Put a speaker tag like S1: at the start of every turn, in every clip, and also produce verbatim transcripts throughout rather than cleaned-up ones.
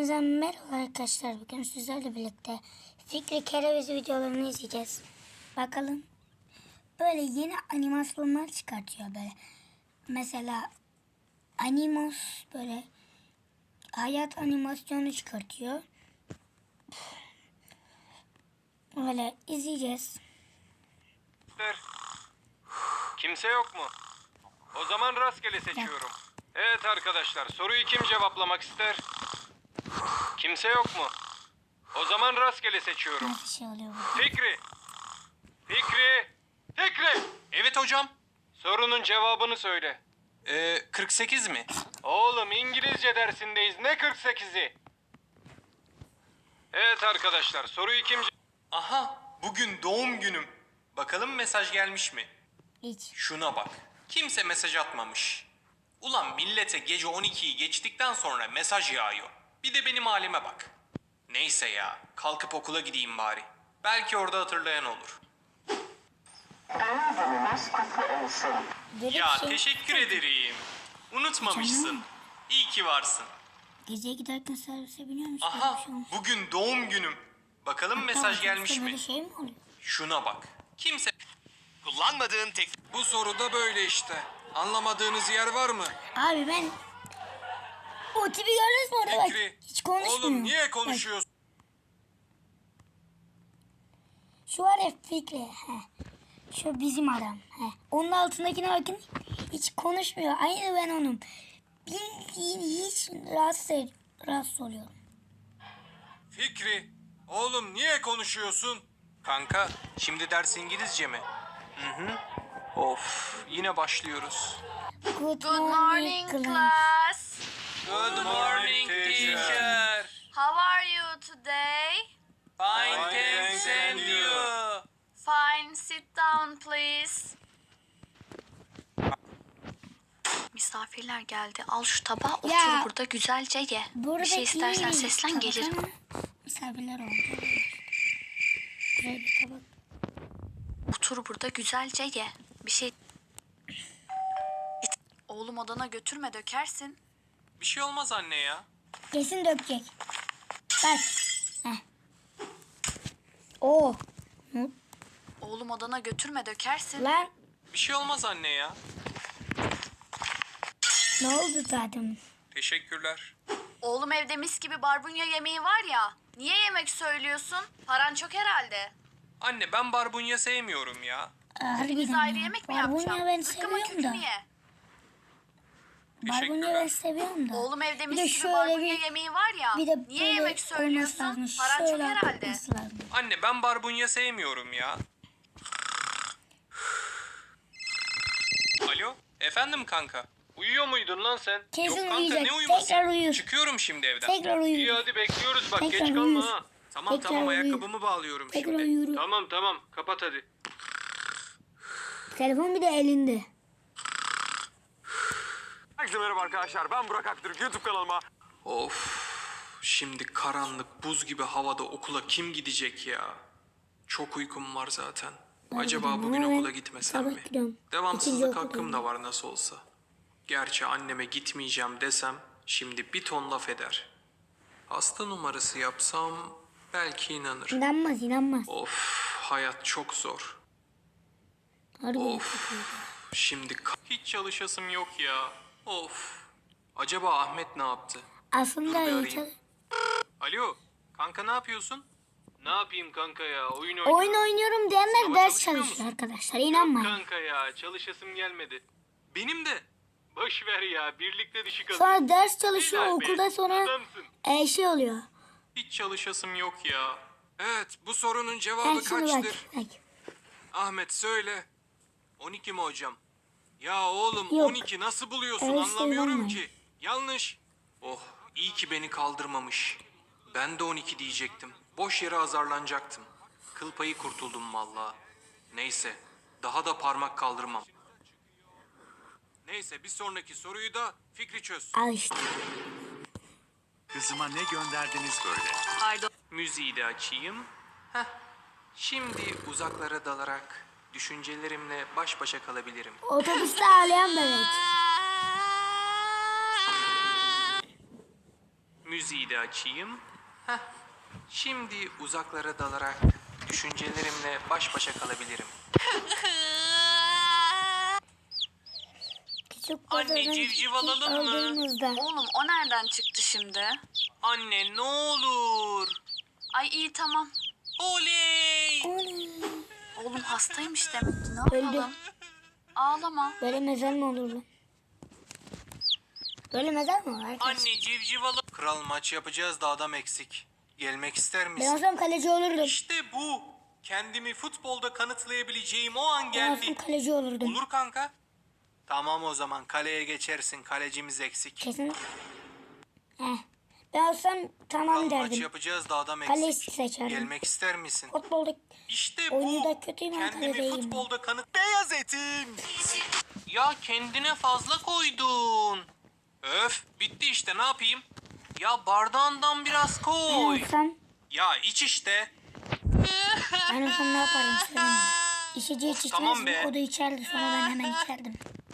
S1: Hepinize merhaba arkadaşlar. Bugün sizlerle birlikte Fikri Kereviz videolarını izleyeceğiz. Bakalım. Böyle yeni animasyonlar çıkartıyor böyle. Mesela Animos böyle hayat animasyonu çıkartıyor. Böyle izleyeceğiz.
S2: Kimse yok mu? O zaman rastgele seçiyorum. Evet arkadaşlar, soruyu kim cevaplamak ister? Kimse yok mu? O zaman rastgele seçiyorum.
S1: Nasıl şey oluyor bu?
S2: Fikri! Fikri! Fikri!
S3: Evet hocam.
S2: Sorunun cevabını söyle.
S3: Ee, kırk sekiz mi?
S2: Oğlum İngilizce dersindeyiz. Ne kırk sekizi? Evet arkadaşlar, soruyu kim... ce-
S3: Aha, bugün doğum günüm. Bakalım mesaj gelmiş mi?
S1: Hiç.
S3: Şuna bak. Kimse mesaj atmamış. Ulan millete gece on ikiyi geçtikten sonra mesaj yağıyor. Bir de benim halime bak. Neyse ya, kalkıp okula gideyim bari. Belki orada hatırlayan olur.
S1: Böyle
S3: Ya
S1: bir şey-
S3: teşekkür ederim. Unutmamışsın.
S1: Canım.
S3: İyi ki varsın.
S1: Gece giderken servise biniyor musun? Böyle bir
S3: Aha,
S1: şey olmuş.
S3: bugün doğum günüm. Bakalım
S1: Hatta
S3: mesaj
S1: otobüste
S3: gelmiş mi?
S1: Böyle şey mi oluyor?
S3: Şuna bak. Kimse... Kullanmadığın tek...
S2: Bu soruda böyle işte. Anlamadığınız yer var mı?
S1: Abi ben o tipi gördünüz mü orada bak.
S2: Fikri.
S1: Hiç konuşmuyor.
S2: Oğlum niye
S1: Bak,
S2: konuşuyorsun?
S1: şu var ya Fikri. He. Şu bizim adam. He. Onun altındakine bakın. Hiç konuşmuyor. Aynı ben onun. Bildiğin hiç rahatsız, rahatsız oluyorum.
S2: Fikri. Oğlum niye konuşuyorsun?
S3: Kanka, şimdi ders İngilizce mi? Hı hı. Of, yine başlıyoruz.
S1: Good,
S4: Good morning,
S1: class.
S4: class.
S3: Good morning teacher.
S4: How are you today?
S3: Fine,
S2: thanks, and you?
S4: Fine, sit down please. Misafirler geldi. Al şu tabağı, otur
S1: Ya,
S4: burada güzelce ye.
S1: Burada
S4: Bir şey istersen
S1: iyi
S4: seslen,
S1: tabak
S4: gelirim.
S1: ama misafirler oldu. Güzel bir tabak.
S4: Otur burada güzelce ye. Bir şey... Oğlum odana götürme, dökersin.
S3: Bir şey olmaz anne ya.
S1: Kesin dökecek. Bak. Heh. Oo. Hı?
S4: Oğlum odana götürme, dökersin.
S1: Lan
S3: Bir şey olmaz anne ya.
S1: ne oldu zaten?
S3: Teşekkürler.
S4: Oğlum evde mis gibi barbunya yemeği var ya. Niye yemek söylüyorsun? Paran çok herhalde.
S3: Anne ben barbunya sevmiyorum ya.
S1: Harbiden
S4: Biz ayrı
S1: ya.
S4: yemek mi
S1: Barbunya
S4: yapacağım?
S1: ben
S4: Zıkkımın
S1: seviyorum da.
S4: kökünü ye.
S1: Barbunya ben seviyorum da.
S4: Oğlum evde
S1: Bir de
S4: mis gibi
S1: şöyle
S4: barbunya
S1: bir-
S4: yemeği var ya.
S1: Bir de
S4: Niye
S1: böyle
S4: yemek
S1: olması
S4: söylüyorsun?
S1: lazım.
S4: Paran çok
S1: Şöyle
S4: herhalde.
S1: olması lazım.
S3: Anne ben barbunya sevmiyorum ya. Alo, efendim kanka.
S2: Uyuyor muydun lan sen?
S1: Kesin
S3: Yok kanka
S1: uyuyacak.
S3: ne uyuması?
S1: Tekrar uyur.
S3: Çıkıyorum şimdi evden.
S1: Tekrar uyur.
S2: İyi hadi bekliyoruz bak
S1: Tekrar
S2: geç kalma
S1: uyur.
S2: ha.
S3: Tamam
S1: Tekrar
S3: tamam
S1: uyur.
S3: ayakkabımı bağlıyorum
S1: Tekrar
S3: şimdi.
S1: uyur.
S2: Tamam tamam kapat hadi.
S1: Telefon bir de elinde.
S2: Herkese merhaba arkadaşlar ben Burak Aktürk YouTube kanalıma.
S3: Of, şimdi karanlık buz gibi havada okula kim gidecek ya? Çok uykum var zaten. Acaba
S1: gidiyorum
S3: bugün
S1: ama ben
S3: okula gitmesem
S1: sabah
S3: mi?
S1: gidiyorum.
S3: Devamsızlık
S1: İkinci
S3: hakkım
S1: okuldayım.
S3: da var nasıl olsa. Gerçi anneme gitmeyeceğim desem şimdi bir ton laf eder. Hasta numarası yapsam belki inanır.
S1: İnanmaz inanmaz.
S3: Of, hayat çok zor.
S1: Harbiden çok
S3: Of,
S1: iyi.
S3: şimdi ka- hiç çalışasım yok ya. Of. Acaba Ahmet ne yaptı?
S1: Aslında
S3: Dur bir
S1: iyi
S3: arayayım.
S1: çal-
S3: Alo, kanka ne yapıyorsun?
S2: Ne yapayım kanka ya oyun oynuyorum.
S1: Oyun oynuyorum diyenler
S3: Sınava
S1: ders
S3: çalışmıyor
S1: çalışıyor
S3: musun?
S1: arkadaşlar.
S2: Yok
S1: İnanmayın.
S2: kanka ya çalışasım gelmedi.
S3: Benim de.
S2: Boş ver ya birlikte düşük alırız.
S1: Sonra ders çalışıyor
S2: Helal be,
S1: okulda sonra
S2: adamsın.
S1: e, şey oluyor.
S3: Hiç çalışasım yok ya.
S2: Evet bu sorunun
S1: Ben
S2: cevabı
S1: şimdi bak.
S2: kaçtır?
S1: bak.
S2: Ahmet söyle.
S3: on iki mi hocam?
S2: Ya oğlum
S1: Yok.
S2: on iki nasıl buluyorsun
S1: Öyle
S2: anlamıyorum
S1: sayılmaz.
S2: ki. Yanlış.
S3: Oh, iyi ki beni kaldırmamış. Ben de on iki diyecektim. Boş yere azarlanacaktım. Kıl payı kurtuldum valla. Neyse, daha da parmak kaldırmam.
S2: Neyse bir sonraki soruyu da Fikri çöz.
S1: Al işte.
S5: Kızıma ne gönderdiniz böyle?
S4: Pardon.
S3: Müziği de açayım. Heh, şimdi uzaklara dalarak düşüncelerimle baş başa kalabilirim.
S1: Otobüste ağlayan bebek.
S3: Müziği müziği de açayım. Heh. Şimdi uzaklara dalarak düşüncelerimle baş başa kalabilirim.
S1: Küçük
S3: Anne,
S1: pazarın
S3: civciv alalım mı?
S1: aldığımızda.
S4: Oğlum o nereden çıktı şimdi?
S3: Anne ne olur.
S4: Ay iyi tamam.
S3: Oley!
S1: Oley.
S4: Oğlum hastaymış demek ki ne
S1: Öldü.
S4: yapalım? Ağlama.
S1: Böyle mezar mı olur lan? Böyle mezar mı var arkadaş?
S3: Anne civciv alalım. Kral maç yapacağız da adam eksik. Gelmek ister
S1: Ben
S3: misin?
S1: olsam kaleci olurdum.
S3: İşte bu. Kendimi futbolda kanıtlayabileceğim o an
S1: Ben olsam
S3: geldi.
S1: kaleci olurdum.
S3: Olur kanka. Tamam o zaman kaleye geçersin. Kalecimiz eksik.
S1: Kesin. Heh. Ben olsam tamam
S3: Kral maç
S1: derdim.
S3: yapacağız da adam
S1: Kaleci
S3: eksik.
S1: seçerdim.
S3: Gelmek ister misin?
S1: Futbolda
S3: İşte
S1: oyunu
S3: bu.
S1: da kötüyüm ama
S3: Kendimi
S1: kaledeyim.
S3: futbolda kanıt... Beyaz etim. Ya kendine fazla koydun. Öf bitti işte ne yapayım? Ya bardağından biraz
S1: Ben
S3: koy.
S1: olsam,
S3: Ya iç işte.
S1: ben olsam ne yaparım söyleyeyim mi? İçeceği hiç
S3: tamam
S1: içmezdim.
S3: be.
S1: O da içerdi sonra ben hemen içerdim.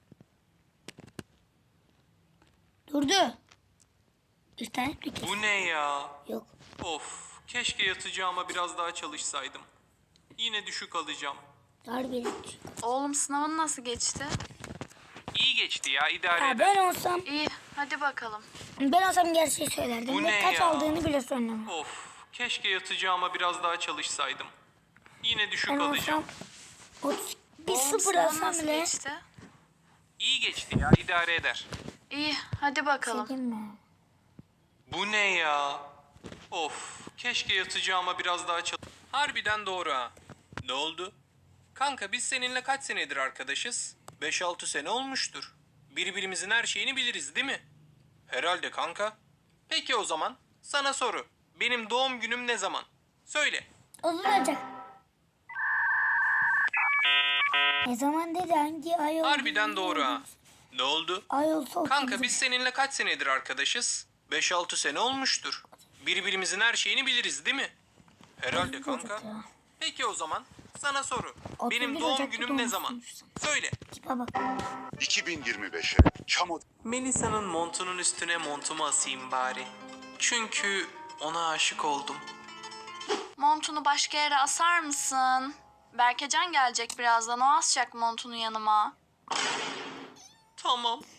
S1: Durdu. İnternet mi kesin?
S3: Bu ne ya?
S1: Yok.
S3: Of keşke yatacağıma biraz daha çalışsaydım. Yine düşük alacağım.
S1: Harbi.
S4: Oğlum sınavın nasıl geçti?
S3: İyi geçti ya idare
S1: Ha,
S3: eder.
S1: ben olsam,
S4: İyi hadi bakalım.
S1: ben olsam gerçeği söylerdim.
S3: Bu
S1: Ve
S3: ne
S1: kaç
S3: ya?
S1: aldığını bile söylemem.
S3: Of keşke yatacağıma biraz daha çalışsaydım. Yine düşük
S1: Ben
S3: alacağım.
S1: olsam otuz bir
S4: Oğlum
S1: sıfır
S4: sınavın
S1: alsam
S4: nasıl
S1: bile.
S4: geçti?
S3: İyi geçti ya idare eder.
S4: İyi hadi bakalım.
S1: Çekeyim mi?
S3: Bu ne ya? Of keşke yatacağıma biraz daha çalış... Harbiden doğru ha. Ne oldu? Kanka biz seninle kaç senedir arkadaşız? beş altı sene olmuştur. Birbirimizin her şeyini biliriz değil mi? Herhalde kanka. Peki o zaman sana soru. Benim doğum günüm ne zaman? Söyle.
S1: Uzun olacak. Ne zaman dedi hangi ay oldu?
S3: Harbiden doğru ha. Ne oldu?
S1: Ay olsa otuz.
S3: Kanka biz seninle kaç senedir arkadaşız? beş altı sene olmuştur. Birbirimizin her şeyini biliriz değil mi? Herhalde kanka. Peki o zaman sana soru.
S1: otuz
S3: Benim
S1: bir
S3: doğum
S1: Ocak'ta
S3: günüm ne zaman?
S1: doğmuşsun.
S3: Söyle.
S1: Tipe bak.
S5: iki bin yirmi beşe çam od-
S3: Melisa'nın montunun üstüne montumu asayım bari. Çünkü ona aşık oldum.
S4: Montunu başka yere asar mısın? Berkecan gelecek birazdan o asacak montunu yanıma.
S3: Tamam.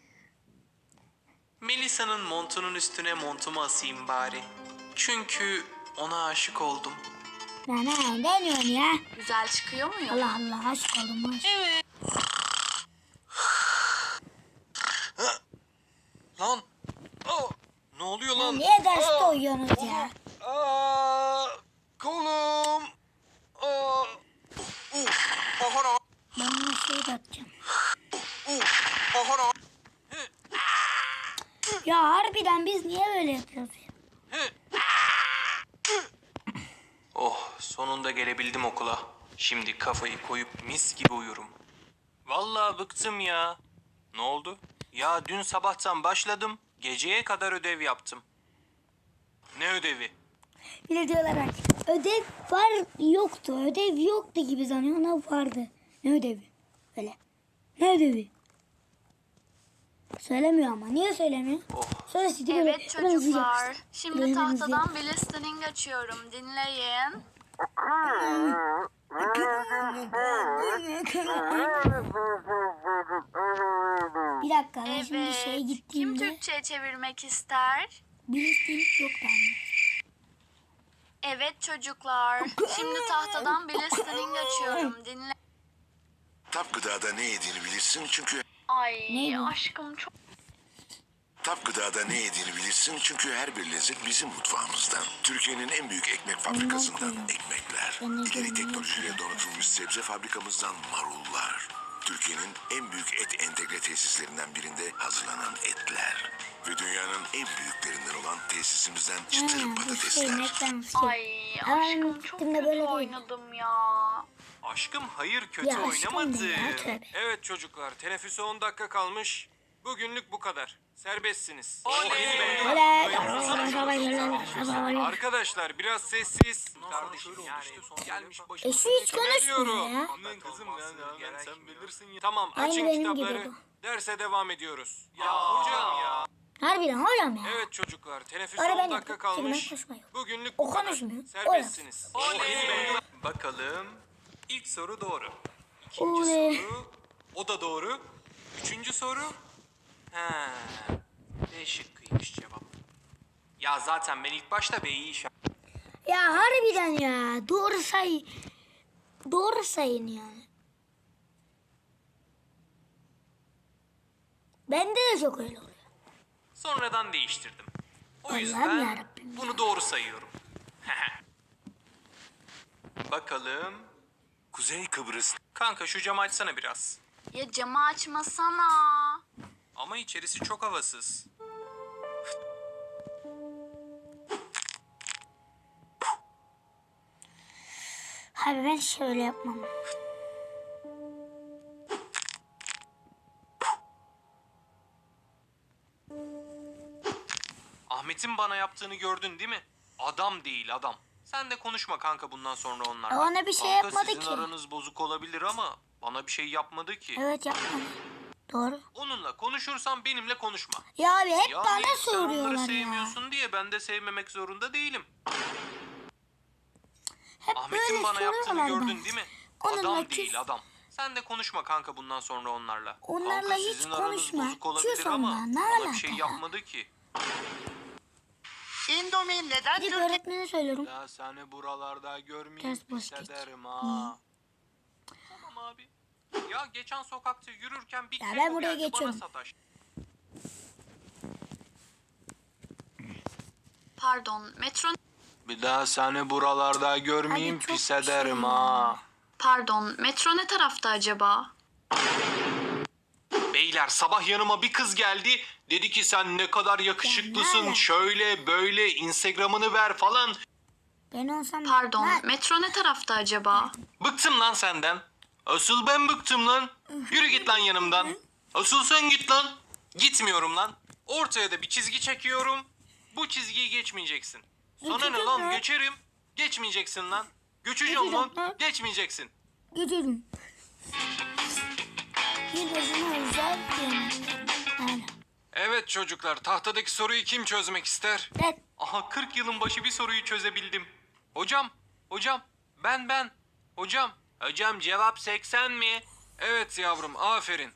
S3: Melisa'nın montunun üstüne montumu asayım bari. Çünkü ona aşık oldum.
S1: Ne ne ne diyorsun ya?
S4: Güzel çıkıyor muyum?
S1: Allah Allah aşk oldum aşk.
S3: Evet. Lan. Aa, ne oluyor lan?
S1: Niye derste uyuyorsunuz ya?
S3: Aa, kolum. Aa. Uf. Ahara.
S1: Ben bunu şey de atacağım.
S3: Uf. Ahara.
S1: Ya harbiden biz niye böyle yapıyoruz ya?
S3: Oh, sonunda gelebildim okula. Şimdi kafayı koyup mis gibi uyurum. Vallahi bıktım ya. Ne oldu? Ya dün sabahtan başladım. Geceye kadar ödev yaptım. Ne ödevi?
S1: Bir de diyorlar bak. Ödev var yoktu. Ödev yoktu gibi sanıyor ama vardı. Ne ödevi? Öyle. Ne ödevi? Söylemiyor ama. Niye söylemiyor?
S3: Oh.
S1: Söylesin böyle.
S4: Evet çocuklar. Şimdi
S1: Böyle
S4: tahtadan bir listening açıyorum. Dinleyin.
S1: Bir dakika ben şimdi
S4: Evet.
S1: şeye
S4: Kim
S1: gittiğimde
S4: Türkçe'ye çevirmek ister?
S1: bir listelik yok bende.
S4: Evet çocuklar. Şimdi tahtadan bir listening açıyorum. Dinle.
S5: Tap Gıda'da ne yediğini bilirsin çünkü
S4: Ay
S1: Ne bu?
S4: aşkım çok...
S5: Tap Gıda'da ne yediğini bilirsin çünkü her bir lezzet bizim mutfağımızdan. Türkiye'nin en büyük ekmek fabrikasından ekmekler.
S1: Ben de
S5: İleri
S1: görüyorum.
S5: teknolojiyle donatılmış sebze fabrikamızdan marullar. Türkiye'nin en büyük et entegre tesislerinden birinde hazırlanan etler. Ve dünyanın en büyüklerinden olan tesisimizden çıtır
S1: Ha, bu şey
S5: patatesler.
S1: McDonald's.
S4: Ay
S1: Hemen
S4: aşkım çok
S1: gittiğimde
S4: kötü
S1: böyle değil.
S4: oynadım ya.
S3: Aşkım hayır kötü
S1: Ya aşkım
S3: oynamadı.
S1: ne ya, tövbe.
S2: Evet çocuklar, teneffüse on dakika kalmış. Bugünlük bu kadar. Serbestsiniz.
S1: Oley.
S2: Arkadaşlar biraz sessiz.
S3: Kardeşim yani gelmiş
S1: E
S3: başına.
S1: şu hiç konuşmuyor ya.
S2: Aman kızım ya, sen bilirsin ya. Tamam
S1: Aynı
S2: açın
S1: benim gibi
S2: kitapları.
S1: bu.
S2: Derse devam ediyoruz.
S3: Ya hocam ya.
S1: Harbiden hocam ya.
S2: Evet çocuklar, teneffüs
S1: Ara ben
S2: on dakika
S1: yapayım.
S2: kalmış.
S1: Ben konuşmuyorum.
S2: Bugünlük
S1: O
S2: bu kadar.
S1: konuşmuyor. O
S2: Serbestsiniz.
S3: Oley! Bakalım. İlk soru doğru. İkinci
S1: Oley.
S3: soru. O da doğru. Üçüncü soru. Ha. B şıkkıymış cevap. Ya zaten ben ilk başta B'yi işaret...
S1: Ya harbiden ya. Doğru say. Doğru sayın yani. Bende de çok öyle oluyor.
S3: Sonradan değiştirdim. O
S1: Allah'ım
S3: yüzden
S1: yarabbim
S3: bunu doğru sayıyorum. Bakalım.
S5: Kuzey Kıbrıs
S3: Kanka şu camı açsana biraz.
S4: Ya camı açmasana.
S3: Ama içerisi çok havasız.
S1: Abi ben şöyle yapmam.
S3: Ahmet'in bana yaptığını gördün değil mi? Adam değil adam. Sen de konuşma kanka bundan sonra onlarla.
S1: Bana bir şey
S3: Kanka,
S1: yapmadı
S3: sizin
S1: ki.
S3: aranız bozuk olabilir ama bana bir şey yapmadı ki.
S1: Evet yapmam. Doğru.
S3: Onunla konuşursan benimle konuşma.
S1: Ya abi hep
S3: Yani
S1: bana
S3: sen onları
S1: soruyorlar ya.
S3: sevmiyorsun diye ben de sevmemek zorunda değilim.
S1: Hep
S3: Ahmet'in
S1: böyle
S3: bana yaptığını
S1: soruyorlar
S3: gördün
S1: bana.
S3: değil mi?
S1: Onunla
S3: Adam
S1: küs-
S3: değil adam. Sen de konuşma kanka bundan sonra onlarla.
S1: Onlarla
S3: kanka,
S1: hiç
S3: sizin aranız
S1: konuşma.
S3: bozuk olabilir
S1: Küs
S3: ama
S1: onunla, ne
S3: bana bir şey
S1: alaka?
S3: yapmadı ki.
S6: Indomie neden
S1: Gidip
S6: Türkiye
S1: öğretmene söylüyorum.
S3: Ya seni buralarda görmeyeyim
S1: Ters boş geç.
S3: hissederim ha. Tamam abi. Ya geçen sokakta yürürken bir
S1: Ya ben
S3: keko
S1: buraya
S3: geldi
S1: geçiyorum.
S3: bana sataş.
S4: Pardon, metro...
S3: Bir daha seni buralarda görmeyeyim
S1: Abi çok
S3: pis ederim
S1: şey
S3: ha.
S4: Pardon, metro ne tarafta acaba?
S3: Beyler sabah yanıma bir kız geldi. Dedi ki sen ne kadar yakışıklısın.
S1: Ya, ne
S3: Şöyle böyle Instagram'ını ver falan.
S1: Ben olsam...
S4: Pardon,
S1: Ha,
S4: metro ne tarafta acaba?
S3: Bıktım lan senden. Asıl ben bıktım lan. Yürü git lan yanımdan. Asıl sen git lan. Gitmiyorum lan. Ortaya da bir çizgi çekiyorum. Bu çizgiyi geçmeyeceksin. Sana ne
S1: Geçeceğim
S3: lan
S1: lan.
S3: geçerim. Geçmeyeceksin lan. Göçeceğim lan.
S1: Geçeceğim lan.
S3: Geçmeyeceksin.
S1: gidelim. Yılbaşına özel yemek. Yani.
S2: Evet çocuklar, tahtadaki soruyu kim çözmek ister?
S1: Ben...
S3: Aha kırk yılın başı bir soruyu çözebildim. Hocam, hocam, ben ben. Hocam, hocam cevap seksen mi?
S2: Evet yavrum, aferin.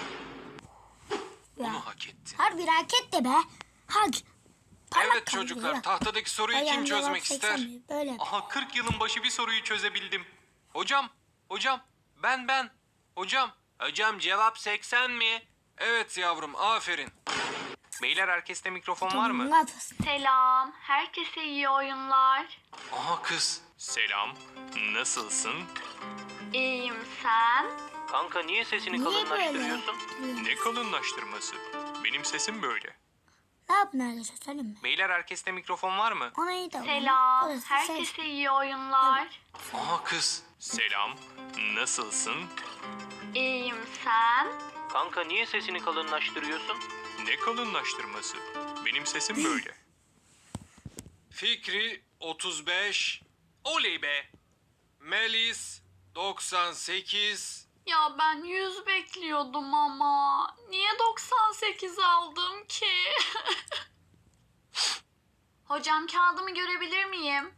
S3: Bunu
S1: Ya.
S3: hak ettin.
S1: Harbi raket de be. Hak. Parmak
S2: Evet
S1: kaldı
S2: çocuklar,
S1: ya.
S2: tahtadaki soruyu
S1: Ayağım
S2: kim
S1: cevap
S2: çözmek
S1: seksen
S2: ister?
S1: mi? Böyle.
S3: Aha kırk yılın başı bir soruyu çözebildim. Hocam, hocam, ben ben. Hocam, hocam cevap seksen mi?
S2: Evet yavrum, aferin.
S3: Beyler herkeste mikrofon var mı?
S1: Ne yapıyorsun?
S4: Selam, herkese iyi oyunlar.
S3: Aha kız. Selam, nasılsın?
S4: İyiyim sen?
S3: Kanka niye sesini
S1: Niye böyle?
S3: Ne kalınlaştırması? Benim sesim böyle.
S1: Ne yapın arkadaşlar söyleyeyim mi?
S3: Beyler herkeste mikrofon var mı?
S1: Ona iyi davran.
S4: Selam,
S1: Orası ses.
S4: herkese iyi oyunlar.
S3: Aha kız. Selam, nasılsın?
S4: İyiyim sen?
S3: Kanka niye sesini kalınlaştırıyorsun? Ne kalınlaştırması? Benim sesim böyle.
S2: Fikri otuz beş,
S3: Oley be.
S2: Melis doksan sekiz.
S4: Ya ben yüz bekliyordum ama. Niye doksan sekiz aldım ki? Hocam kağıdımı görebilir miyim?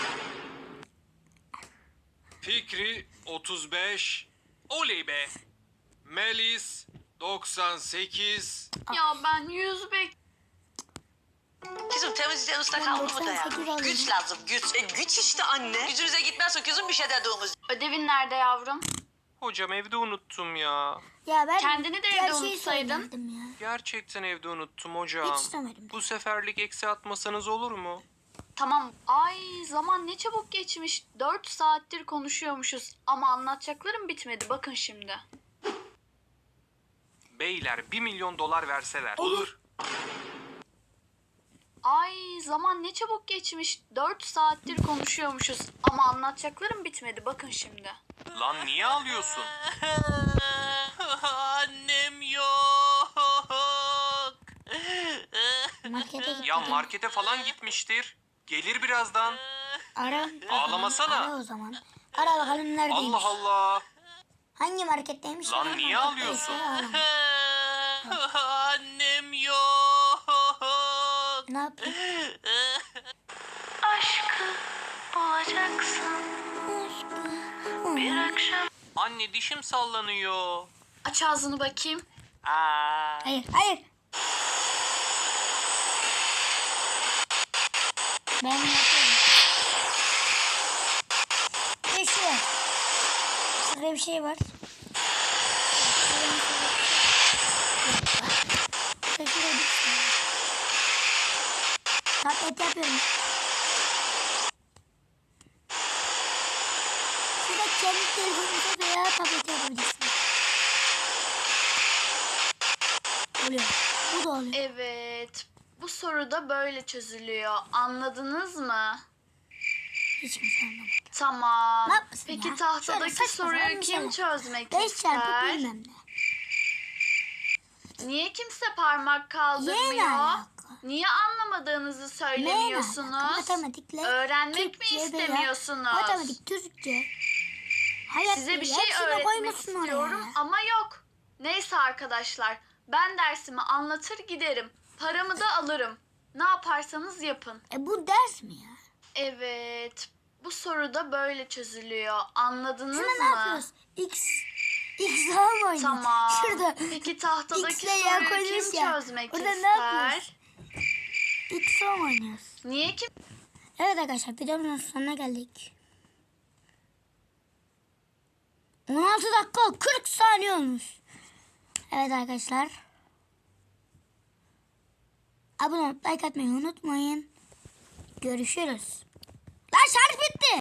S2: Fikri otuz beş,
S3: Oley be.
S2: Melis doksan sekiz.
S4: Ya ben yüz bek...
S6: Kızım temizlikten usta
S1: Ben
S6: kaldı mı
S1: doksan
S6: da ya?
S1: sekiz alıyorum.
S6: Güç lazım güç. E, güç işte anne. Gücünüze gitmezse kızım bir şey dediğiniz.
S4: Ödevin nerede yavrum?
S3: Hocam evde unuttum ya.
S1: Ya ben
S4: Kendini de evde
S1: gerçeği
S4: unutsaydın.
S1: söylerdim ya.
S3: Gerçekten evde unuttum hocam.
S1: Hiç istemedim.
S3: Bu seferlik eksi atmasanız olur mu?
S4: Tamam. Ay zaman ne çabuk geçmiş. Dört saattir konuşuyormuşuz. Ama anlatacaklarım bitmedi. Bakın şimdi.
S3: Beyler bir milyon dolar verseler.
S2: Olur.
S4: Ay zaman ne çabuk geçmiş. Dört saattir konuşuyormuşuz. Ama anlatacaklarım bitmedi. Bakın şimdi.
S3: Lan niye ağlıyorsun?
S6: Annem yok.
S1: Markete gittim.
S3: Ya markete falan gitmiştir. Gelir birazdan.
S1: Ara.
S3: Ağlamasana.
S1: Ara o zaman. Ara bakalım neredeymiş.
S3: Allah Allah.
S1: Hangi marketteymiş?
S3: Lan
S1: Hangi
S3: niye
S1: marketteyse
S3: ağlıyorsun?
S1: ara.
S6: Annem yok.
S1: Ne yapayım?
S4: Aşkı bulacaksın bir akşam.
S3: Anne dişim sallanıyor.
S4: Aç ağzını bakayım.
S3: Aa.
S1: Hayır, hayır. Ben yapıyorum. Bir şey var. Şurada bir şey var. Şurada bir şey var. Tablet yapıyorum. Şurada kendi telefonunuza veya tablet yapabilirsiniz. Oluyor. Bu da oluyor.
S4: Evet. Bu soru da böyle çözülüyor. Anladınız mı?
S1: Hiç kimse anlamadı.
S4: Tamam.
S1: Ne yapmasın
S4: Peki
S1: ya?
S4: tahtadaki
S1: Şöyle saçma sapan
S4: soruyu
S1: bir
S4: kim
S1: şey.
S4: çözmek
S1: Beş çarpı
S4: ister?
S1: bilmem ne.
S4: Niye kimse parmak kaldırmıyor?
S1: Neyle alaka?
S4: Niye anlamadığınızı
S1: Neyle
S4: söylemiyorsunuz?
S1: alaka? Matematikle
S4: Öğrenmek
S1: Türkçe
S4: mi
S1: veya
S4: istemiyorsunuz?
S1: Matematik, Türkçe. Hayat
S4: Size bir
S1: bilgi,
S4: şey
S1: hepsini
S4: öğretmek
S1: koymuşsun oraya.
S4: istiyorum ama yok. Neyse arkadaşlar, ben dersimi anlatır giderim. Paramı da alırım. Ne yaparsanız yapın.
S1: E bu ders mi ya?
S4: Evet, bu soru da böyle çözülüyor. Anladınız
S1: Şuna ne
S4: mı?
S1: yapıyoruz? X X daha mı oynuyor?
S4: Tamam.
S1: Şurada
S4: Peki tahtadaki
S1: X'le ya
S4: soruyu
S1: koymuş
S4: kim
S1: ya.
S4: çözmek
S1: Orada ne
S4: ister?
S1: yapıyoruz? X daha mı oynuyoruz?
S4: Niye kim?
S1: Evet arkadaşlar videomuzun sonuna geldik. on altı dakika kırk saniye olmuş. Evet arkadaşlar. Abone olup like atmayı unutmayın. Görüşürüz. Lan şarj bitti.